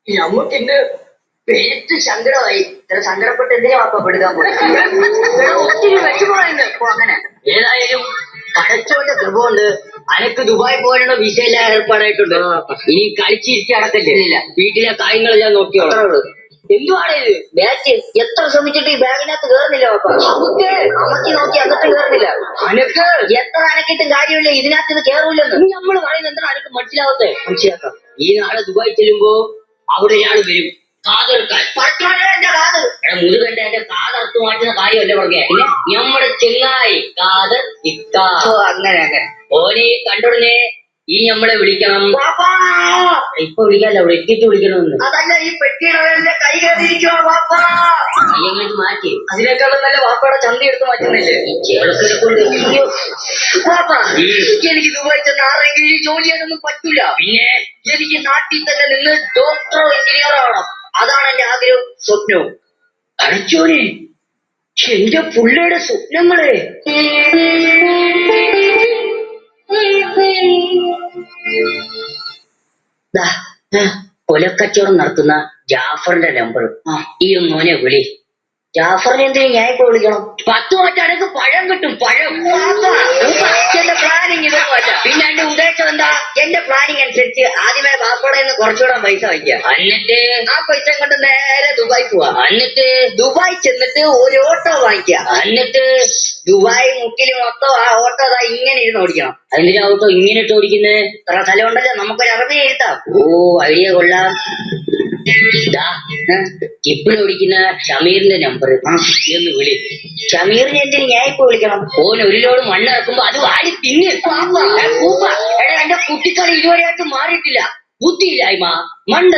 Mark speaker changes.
Speaker 1: നമുക്ക് ഇന്ന് പേറ്റ് സങ്കടമായി. ഇത്ര സങ്കടപ്പെട്ട് എന്തിനാ വാപ്പ പെടുക്കാൻ പോയി? ഒത്തിരി വിഷമമായിരുന്നു. അപ്പൊ അങ്ങനെ ഏതായാലും പടച്ചോന്റെ കൃപ കൊണ്ട് അനക്ക് ദുബായ് പോകാനുള്ള വിസയെല്ലാം ഏർപ്പാടായിട്ടുണ്ട്. ഇനി കളിച്ചിരിക്കി അടക്കല്ലേ, വീട്ടിലെ കാര്യങ്ങളെല്ലാം നോക്കിയോളൂ. എന്തുവാണ് ഇത് ബാറ്റ്? എത്ര ശ്രമിച്ചിട്ട് ഈ ബാഗിനകത്ത് കേറുന്നില്ല വാപ്പ. നമുക്ക് അമക്കി നോക്കി അകത്ത് കേറുന്നില്ല. അനക്ക് എത്ര അനക്കിട്ടും കാര്യമില്ല, ഇതിനകത്ത് ഇത് കേറൂലെന്ന് നമ്മൾ പറയുന്നത്. എന്താണ് അനക്ക് മനസ്സിലാവത്തെ? മനസ്സിലാക്കാം. ഈ നാളെ ദുബായ് ചെല്ലുമ്പോ അവിടെ ഒരാൾ വരും കാതെടുക്കാൻ. മുതുകണ്ട എന്റെ കാതർത്ത് മാറ്റുന്ന കാര്യമല്ല പറഞ്ഞേ. പിന്നെ നമ്മുടെ ചെങ്ങായി കാതർ അങ്ങനെ അങ്ങനെ ഓനെ കണ്ടുടനെ ഈ നമ്മളെ വിളിക്കണം. ഇപ്പൊ വിളിക്കാല്ലോ, അവിടെ എത്തിയിട്ട് വിളിക്കണമെന്ന്. അതല്ല, ഈ പെട്ടിയുടെ കൈ കയറിയിരിക്കണോ വാപ്പ? കൈയങ്ങോട്ട് മാറ്റി. അതിനേക്കാളും നല്ല വാപ്പയുടെ ചന്തി എടുത്ത് മാറ്റുന്നില്ലേ ചേർക്കൊണ്ട്. വാപ്പ, എനിക്ക് ദുബായ് ചെന്ന് ആരെങ്കിലും ജോലി ചെയ്യാനൊന്നും പറ്റൂല. പിന്നെ എനിക്ക് നാട്ടിൽ തന്നെ നിന്ന് ഡോക്ടറോ എഞ്ചിനീയറോ ആവണം. അതാണ് എന്റെ ആഗ്രഹവും സ്വപ്നവും. അടച്ചോനെ, എന്റെ പുള്ളിയുടെ സ്വപ്നങ്ങളെ. കൊലക്കച്ചവടം നടത്തുന്ന ജാഫറിന്റെ നമ്പർ. ഈ മോനെ വിളി. ജാഫറിനെ എന്തിനും ഞാൻ ഇപ്പൊ വിളിക്കണം? 10 മാറ്റാനൊക്കെ പഴം കിട്ടും. പഴം. എന്റെ പ്ലാനിങ് ഇതൊന്നും അല്ല. പിന്നെ എന്റെ ഉദ്ദേശം എന്താ? എന്റെ പ്ലാനിങ് അനുസരിച്ച് ആദ്യമേ ബാപ്പയുടെ നിന്ന് കുറച്ചുകൂടെ പൈസ വയ്ക്കുക. എന്നിട്ട് ആ പൈസ കൊണ്ട് നേരെ ദുബായ് പോവാ. എന്നിട്ട് ദുബായ് ചെന്നിട്ട് ഒരു ഓട്ടോ വാങ്ങിക്കുക. എന്നിട്ട് ദുബായ് മുക്കിൽ മൊത്തം ആ ഓട്ടോ അതാ ഇങ്ങനെ ഇരുന്ന് ഓടിക്കണം. അതിന്റെ ഓട്ടോ ഇങ്ങനെ ഇട്ട് ഓടിക്കുന്നത് ഇത്ര സ്ഥലം ഉണ്ടല്ലോ, നമുക്കൊരു അറബി എഴുത്താം. ഓ, ഐഡിയ കൊള്ളാം. ഇപ്പോഴും ഓടിക്കുന്ന ഷമീറിന്റെ നമ്പർ എന്ന് വിളി. ഷമീറിനെ എന്തിന് ഞാൻ ഇപ്പൊ വിളിക്കണം? ഓൻ ഒരു ലോഡ് മണ്ണ് ഇറക്കുമ്പോ അത് വാരി തിന്ന്. എന്റെ കുട്ടിക്കളി ഇതുവരെയായിട്ട് മാറിയിട്ടില്ല. ബുദ്ധിയില്ലായ്മ, മണ്ട